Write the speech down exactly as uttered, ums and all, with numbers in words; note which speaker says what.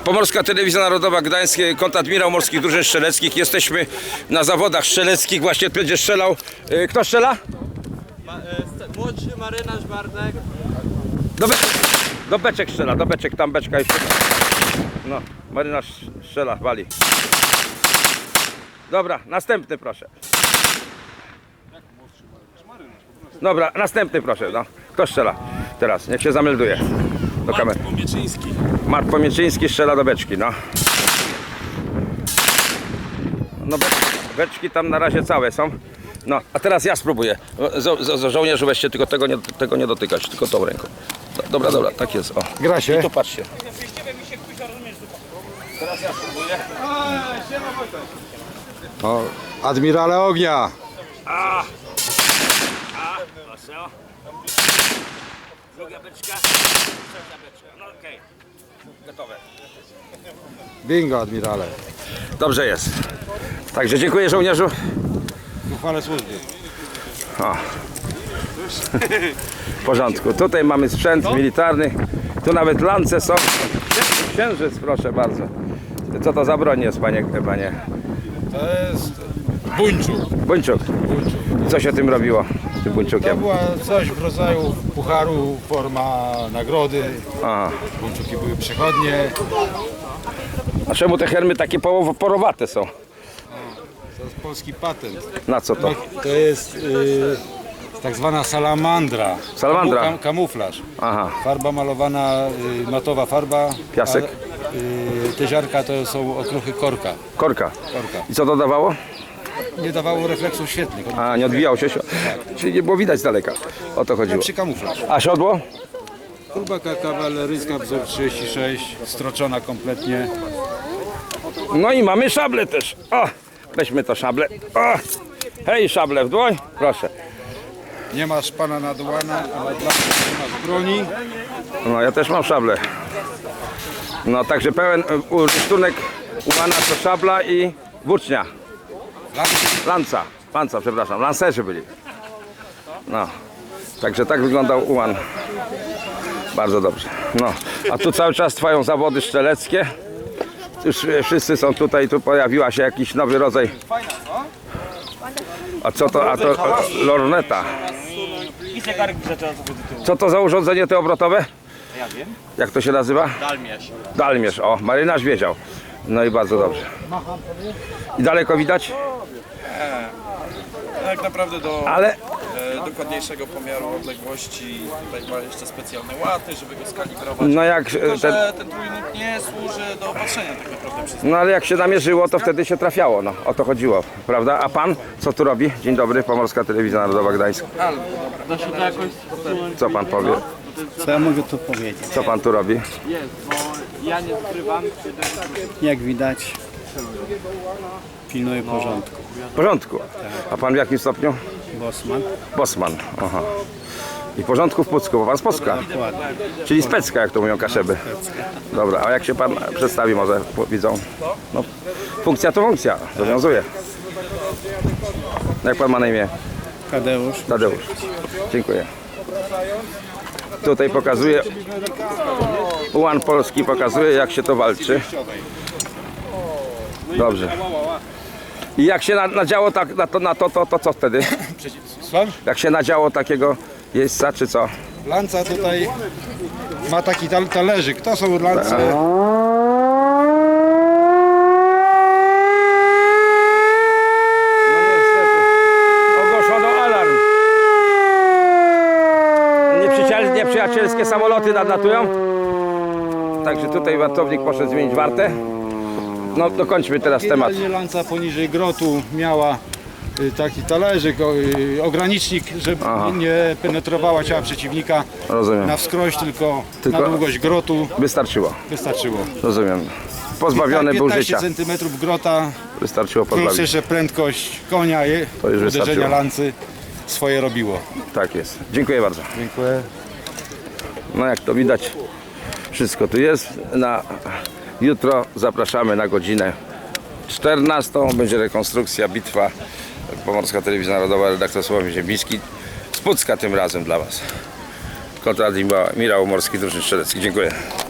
Speaker 1: Pomorska Telewizja Narodowa Gdańsk, kontradmirał Morskich Drużyn Strzeleckich. Jesteśmy na zawodach strzeleckich, właśnie będzie strzelał. Kto strzela?
Speaker 2: Ma, e, młodszy marynarz Bartek.
Speaker 1: Do beczek, do beczek strzela, do beczek, tam beczka jeszcze. No, marynarz strzela, wali. Dobra, następny proszę. Dobra, następny proszę, no. Kto strzela? Teraz, niech się zamelduje do kamery.
Speaker 2: Mart Pomieczyński.
Speaker 1: Mart Pomieczyński strzela do beczki, no. No beczki, beczki tam na razie całe są. No, a teraz ja spróbuję. Z, z, z żołnierzu weźcie, tylko tego nie, tego nie dotykać, tylko tą ręką. Do, dobra, dobra, tak jest, o.
Speaker 3: Gra się.
Speaker 1: I tu patrzcie. Teraz ja spróbuję.
Speaker 3: O, admirale ognia.
Speaker 1: A! A! Proszę. Druga beczka. Trzecia beczka. No okej. Okay. Gotowe.
Speaker 3: Bingo, admirale.
Speaker 1: Dobrze jest. Także dziękuję żołnierzu.
Speaker 3: Uchwale służby.
Speaker 1: O. W porządku. Tutaj mamy sprzęt militarny. Tu nawet lance są. Księżyc, proszę bardzo. Co to za broń jest, panie? panie?
Speaker 3: To jest buńczuk.
Speaker 1: Buńczuk. I co się tym robiło, tym
Speaker 3: To
Speaker 1: buńczukiem?
Speaker 3: była coś w rodzaju pucharu, forma nagrody.
Speaker 1: Aha.
Speaker 3: Buńczuki były przechodnie.
Speaker 1: A czemu te hermy takie połowo- porowate są?
Speaker 3: To jest polski patent.
Speaker 1: Na co to?
Speaker 3: To jest y, tak zwana salamandra.
Speaker 1: Salamandra.
Speaker 3: Kamu, kamuflaż.
Speaker 1: Aha.
Speaker 3: Farba malowana, y, matowa farba.
Speaker 1: Piasek.
Speaker 3: A, y, te ziarka to są okruchy korka.
Speaker 1: Korka.
Speaker 3: korka.
Speaker 1: I co to dawało?
Speaker 3: Nie dawało refleksów świetnych.
Speaker 1: A, nie odbijało się. Czyli nie było widać z daleka. O to chodziło.
Speaker 3: Przy kamuflaż.
Speaker 1: A siodło?
Speaker 3: Kubaka kawaleryjska wzór trzydzieści sześć, stroczona kompletnie.
Speaker 1: No i mamy szable też. O, weźmy to szable. O, hej, szable w dłoń. Proszę.
Speaker 3: Nie masz pana nadłana, ale dla mnie nie masz broni.
Speaker 1: No ja też mam szable. No także pełen rysztunek ułana to szabla i włócznia. Lanca. Lanca, przepraszam. Lancerzy byli. No. Także tak wyglądał ułan. Bardzo dobrze. No. A tu cały czas trwają zawody strzeleckie. Już wszyscy są tutaj, tu pojawiła się jakiś nowy rodzaj. A co to? A to lorneta. Co to za urządzenie te obrotowe?
Speaker 2: Ja wiem.
Speaker 1: Jak to się nazywa?
Speaker 2: Dalmierz.
Speaker 1: Dalmierz, o, marynarz wiedział. No i bardzo dobrze. I daleko widać?
Speaker 4: Tak naprawdę do
Speaker 1: Ale
Speaker 4: e, dokładniejszego pomiaru odległości tutaj ma jeszcze specjalne łaty, żeby go skalibrować.
Speaker 1: no jak
Speaker 4: Tylko,
Speaker 1: ten,
Speaker 4: że ten trójnóg nie służy do patrzenia tak naprawdę przez
Speaker 1: no ale jak się namierzyło, to wtedy się trafiało, no o to chodziło, prawda? A pan co tu robi? Dzień dobry, Pomorska Telewizja Narodowa Gdańsk.
Speaker 2: Da się to jakoś
Speaker 1: Co pan powie?
Speaker 5: Co ja mogę tu powiedzieć?
Speaker 1: Co pan tu robi?
Speaker 2: jest, bo ja nie skrywam.
Speaker 5: Jak widać, pilnuję porządku.
Speaker 1: W porządku. A pan w jakim stopniu?
Speaker 5: Bosman,
Speaker 1: Bosman. Aha. I w porządku w Pucku, bo pan z Pucka.
Speaker 5: dokładnie.
Speaker 1: Czyli specka, jak to mówią Kaszeby. Dobra, a jak się pan przedstawi może widzą? No, funkcja to funkcja, zobowiązuje. Jak pan ma na imię?
Speaker 5: Tadeusz,
Speaker 1: Tadeusz. Dziękuję. Tutaj pokazuje, ułan polski pokazuje, jak się to walczy. Dobrze. I jak się na- nadziało tak, na, to, na to, to, to co wtedy?
Speaker 3: Słucham?
Speaker 1: Jak się nadziało takiego jeźdźca, czy co?
Speaker 3: Lanca tutaj ma taki tal talerzyk. To są lance.
Speaker 1: No niestety. Ogłoszono alarm. Nieprzyjaciel, nieprzyjacielskie samoloty nadlatują. Także tutaj wartownik poszedł zmienić wartę. No dokończmy teraz temat.
Speaker 3: Generalnie lanca poniżej grotu miała y, taki talerzyk, o, y, ogranicznik, żeby
Speaker 1: Aha.
Speaker 3: nie penetrowała ciała przeciwnika
Speaker 1: Rozumiem.
Speaker 3: na wskroś, tylko,
Speaker 1: Tylko-
Speaker 3: na długość grotu
Speaker 1: Wystarczyło.
Speaker 3: wystarczyło.
Speaker 1: Rozumiem. Pozbawiony był
Speaker 3: piętnaście
Speaker 1: życia.
Speaker 3: centymetrów grota,
Speaker 1: Wystarczyło
Speaker 3: plus
Speaker 1: pozbawić.
Speaker 3: jeszcze prędkość konia, je,
Speaker 1: To już
Speaker 3: uderzenia
Speaker 1: wystarczyło.
Speaker 3: lancy swoje robiło.
Speaker 1: Tak jest. Dziękuję bardzo.
Speaker 3: Dziękuję.
Speaker 1: No jak to widać, wszystko tu jest. Na jutro zapraszamy na godzinę czternastą. Będzie rekonstrukcja, bitwa. Pomorska Telewizja Narodowa, redaktor Sławomir Ziembiński. Z Pucka tym razem dla Was. Kontradmirał Morskich Drużyn Strzeleckich. Dziękuję.